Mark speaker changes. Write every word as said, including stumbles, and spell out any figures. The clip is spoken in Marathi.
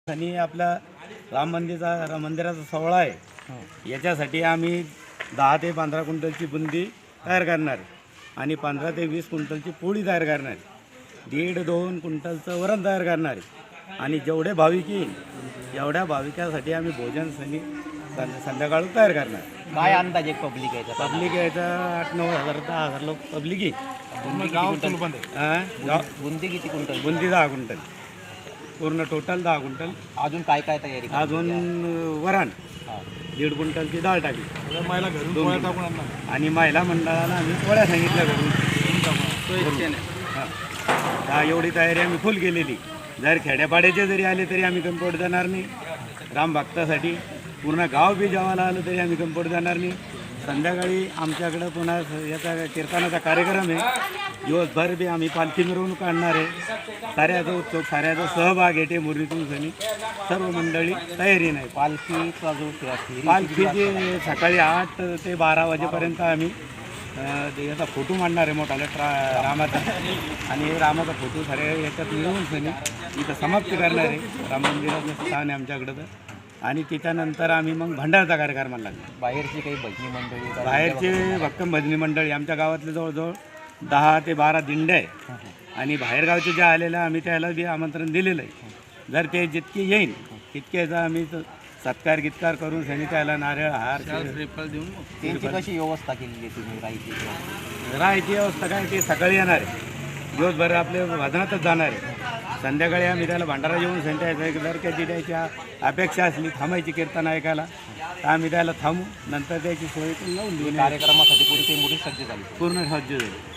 Speaker 1: आणि आपला राम मंदिरचा राम मंदिराचा सोहळा आहे, याच्यासाठी आम्ही दहा ते पंधरा क्विंटलची बुंदी तयार करणार आणि पंधरा ते वीस क्विंटलची पोळी तयार करणार, दीड दोन क्विंटलचं वरण तयार करणार आणि जेवढे भाविक येईल एवढ्या भाविकासाठी आम्ही भोजन सनी संध्याकाळ तयार करणार.
Speaker 2: काय अंदाज एक पब्लिक यायचा?
Speaker 1: पब्लिक यायचा आठ नऊ हजार दहा हजार लोक पब्लिक येईल. हां,
Speaker 2: बुंदी किती क्विंटल?
Speaker 1: बुंदी दहा क्विंटल, पूर्ण टोटल दहा क्विंटल.
Speaker 2: अजून काय काय तयारी?
Speaker 1: अजून वरण दीड क्विंटलची डाळ टाकली, महिला घरून पोळ्या टाकून आणणार आणि महिला मंडळाला आम्ही पोळ्या सांगितल्या घरून. हा, एवढी तयारी आम्ही फुल केलेली. जर खेड्यापाड्याचे जरी आले तरी आम्ही कम्पोर्ट देणार नाही. राम भक्तासाठी पूर्ण गाव बी जेवायला आलं तरी आम्ही कम्पोर्ट देणार नाही. संध्याकाळी आमच्याकडं पुन्हा याचा कीर्तनाचा कार्यक्रम आहे, दिवसभर बी आम्ही पालखी मिरवणूक काढणार आहे. साऱ्याचा उत्सव, साऱ्याचा सहभाग येते. मुरलीतून सनी सर्व मंडळी तयारी नाही.
Speaker 2: पालखीचा जो
Speaker 1: पालखीचे सकाळी आठ ते बारा वाजेपर्यंत आम्ही याचा फोटो मांडणार आहे मोठाला ट्रा रामाचा, आणि रामाचा फोटो सारे याच्यात मिळवून सनी इथं समाप्ती करणार आहे. राम मंदिराचं स्थान आहे आमच्याकडं तर. आणि त्याच्यानंतर आम्ही मग भंडाराचा कार्यक्रम लागला.
Speaker 2: बाहेरची काही भजनी मंडळी?
Speaker 1: बाहेरचे भक्कम भजनी मंडळी आमच्या गावातले जवळजवळ दहा ते बारा दिंड्या आहे आणि बाहेरगावचे जे आलेल्या आम्ही त्याला बी आमंत्रण दिलेलं आहे. जर ते जितके येईल तितक्याचा आम्ही सत्कार गितकार करून सनी त्याला नारळ हार देऊन
Speaker 2: त्यांची कशी व्यवस्था केलेली आहे तुम्ही? राहायची
Speaker 1: राहायची व्यवस्था काय, ते सकाळी येणार आहे, दिवसभर आपल्या भजनातच जाणार आहे. संध्याकाळी आम्ही त्याला भंडारा जेवून सांगायचं. जर त्याची द्यायची अपेक्षा असली थांबायची कीर्तन ऐकायला तर आम्ही त्याला थांबू, नंतर त्याची सोय लावून देऊ.
Speaker 2: कार्यक्रमासाठी पुढे काही मोठी सज्ज झाली?
Speaker 1: पूर्ण सज्ज झाली.